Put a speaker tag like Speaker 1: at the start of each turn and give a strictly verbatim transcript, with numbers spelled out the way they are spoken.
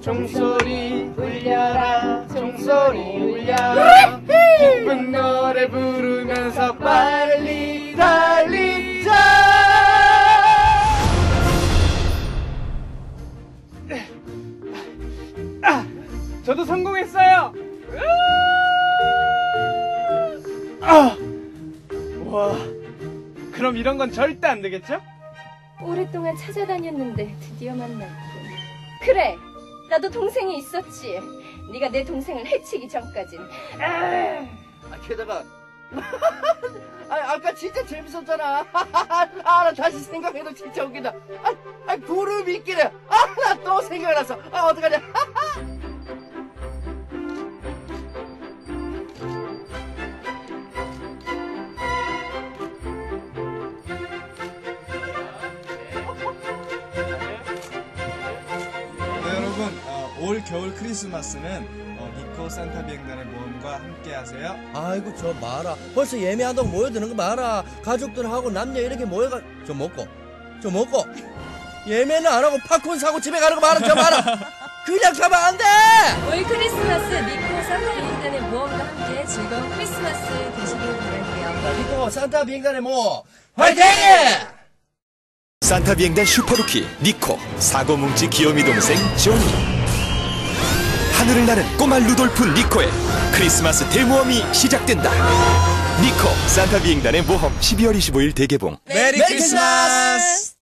Speaker 1: 종소리 울려라 종소리 울려라 기쁜 노래 부르면서 빨리 달리자. 아, 저도 성공했어요. 아, 와, 그럼 이런 건 절대 안 되겠죠?
Speaker 2: 오랫동안 찾아다녔는데 드디어 만났군. 그래, 나도 동생이 있었지. 네가 내 동생을 해치기 전까진.
Speaker 3: 아, 게다가 아, 아까 진짜 재밌었잖아. 아, 나 다시 생각해도 진짜 웃긴다. 아, 아 구름 있기는. 아, 나 또 생각났어. 아, 어떡하냐.
Speaker 4: 네, 여러분, 어, 올 겨울 크리스마스는 어, 니코 산타 비행단의 모험과 함께 하세요.
Speaker 5: 아이고 저 마라 벌써 예매한다고 모여드는 거 마라. 가족들하고 남녀 이렇게 모여가 저 먹고 저 먹고 예매는 안 하고 팝콘 사고 집에 가는 거 마라. 저 마라. 그냥 가면 안 돼.
Speaker 6: 올 크리스마스 니코 산타 비행단의 모험과 함께 즐거운 크리스마스 되시길 바랄게요.
Speaker 5: 니코 산타 비행단의 모험 화이팅!
Speaker 7: 산타 비행단 슈퍼루키 니코, 사고뭉치 귀요미 동생 조니, 하늘을 나는 꼬마 루돌프 니코의 크리스마스 대모험이 시작된다. 니코 산타 비행단의 모험 십이월 이십오일 대개봉.
Speaker 5: 메리 크리스마스!